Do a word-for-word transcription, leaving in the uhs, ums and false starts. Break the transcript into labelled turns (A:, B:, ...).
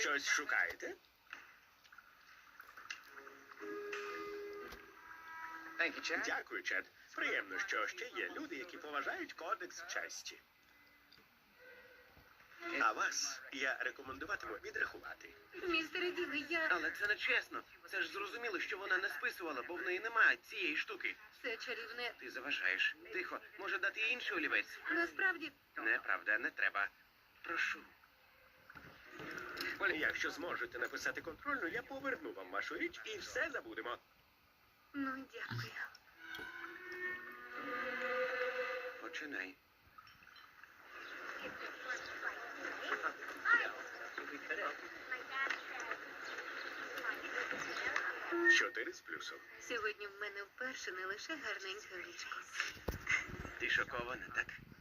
A: Щось шукаєте? Дякую, Чед. Приємно, що ще є люди, які поважають кодекс честі. А вас я рекомендуватиму відрахувати.
B: Містере Діле, я...
C: Але це не чесно. Це ж зрозуміло, що вона не списувала, бо в неї немає цієї штуки.
B: Це чарівне.
C: Ти заважаєш. Тихо, може дати їй інший олівець?
B: Насправді,
C: Неправда, не треба. Прошу.
A: Якщо зможете написати контрольну, я поверну вам вашу річ і все забудемо.
B: ну дякую.
C: Починай.
A: Чотири з плюсом.
B: Сьогодні в мене вперше не лише гарненьке личко.
C: Ти шокована, так?